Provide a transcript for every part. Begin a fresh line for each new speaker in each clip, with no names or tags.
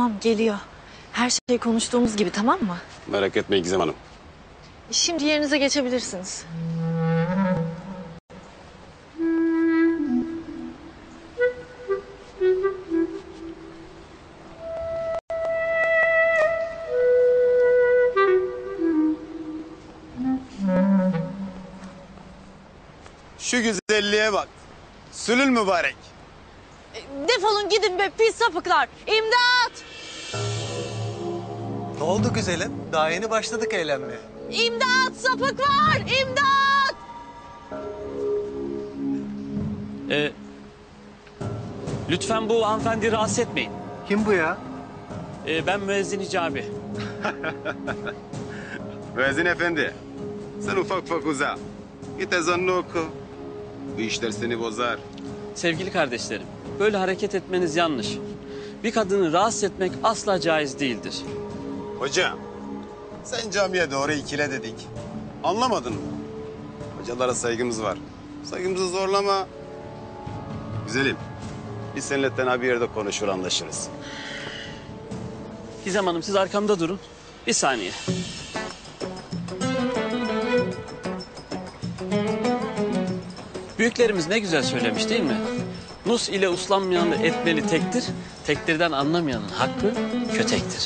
Tamam geliyor. Her şey konuştuğumuz gibi, tamam mı?
Merak etmeyin Gizem Hanım.
Şimdi yerinize geçebilirsiniz.
Şu güzelliğe bak. Sülül mübarek.
Defolun gidin be pis sapıklar. İmdat!
Ne oldu güzelim? Daha yeni başladık eğlenmeye.
İmdat! Sapık var! İmdat!
Lütfen bu hanımefendi rahatsız etmeyin.
Kim bu ya?
Ben müezzin Hicabi.
Müezzin efendi. Sen ufak ufak uza. Git ezanını oku. Bu işler seni bozar.
Sevgili kardeşlerim, böyle hareket etmeniz yanlış. Bir kadını rahatsız etmek asla caiz değildir.
Hocam, sen camiye doğru ikile dedik. Anlamadın mı? Hocalara saygımız var. Saygımızı zorlama. Güzelim, biz seninle tenha bir yerde konuşur anlaşırız.
Gizem Hanım siz arkamda durun. Bir saniye. Büyüklerimiz ne güzel söylemiş değil mi? Nus ile uslanmayanı etmeli tektir, tektirden anlamayanın hakkı kötektir.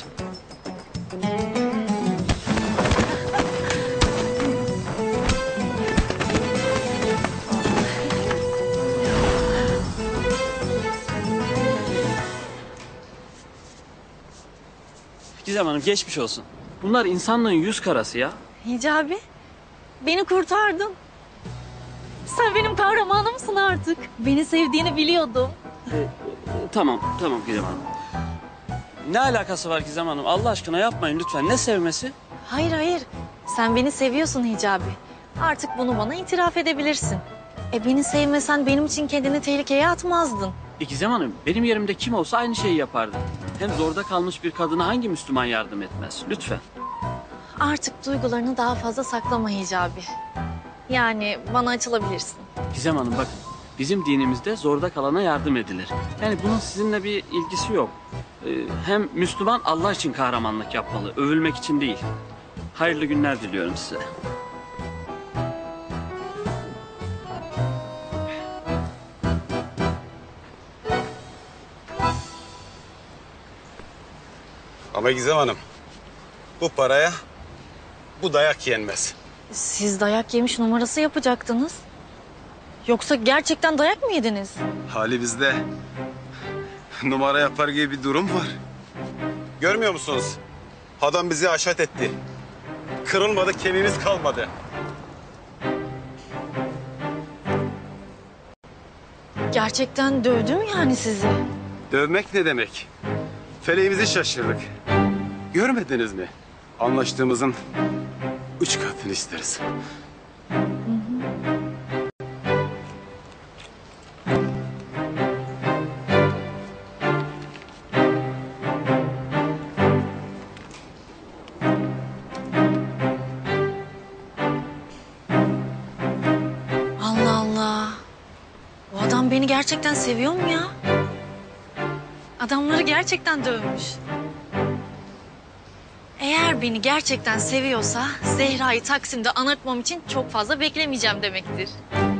Gizem Hanım geçmiş olsun. Bunlar insanlığın yüz karası ya.
Hicabi, beni kurtardın. Sen benim kahramanımsın artık. Beni sevdiğini biliyordum.
Tamam Gizem Hanım. Ne alakası var Gizem Hanım? Allah aşkına yapmayın lütfen. Ne sevmesi?
Hayır. Sen beni seviyorsun Hicabi. Artık bunu bana itiraf edebilirsin. Beni sevmesen benim için kendini tehlikeye atmazdın.
Gizem Hanım, benim yerimde kim olsa aynı şeyi yapardı. Hem zorda kalmış bir kadına hangi Müslüman yardım etmez? Lütfen.
Artık duygularını daha fazla saklama Hicabi. Yani bana açılabilirsin.
Gizem Hanım bakın, bizim dinimizde zorda kalana yardım edilir. Yani bunun sizinle bir ilgisi yok. Hem Müslüman Allah için kahramanlık yapmalı, övülmek için değil. Hayırlı günler diliyorum size.
Ama Gizem Hanım, bu paraya bu dayak yenmez.
Siz dayak yemiş numarası yapacaktınız. Yoksa gerçekten dayak mı yediniz?
Hali bizde numara yapar gibi bir durum var. Görmüyor musunuz? Adam bizi haşat etti. Kırılmadı, kemiğimiz kalmadı.
Gerçekten dövdü mü yani sizi?
Dövmek ne demek? Feleğimizi şaşırdık. Görmediniz mi? Anlaştığımızın 3 katını isteriz.
Allah Allah. Bu adam beni gerçekten seviyor mu ya? Adamları gerçekten dövmüş. Eğer beni gerçekten seviyorsa Zehra'yı Taksim'de anırtmam için çok fazla beklemeyeceğim demektir.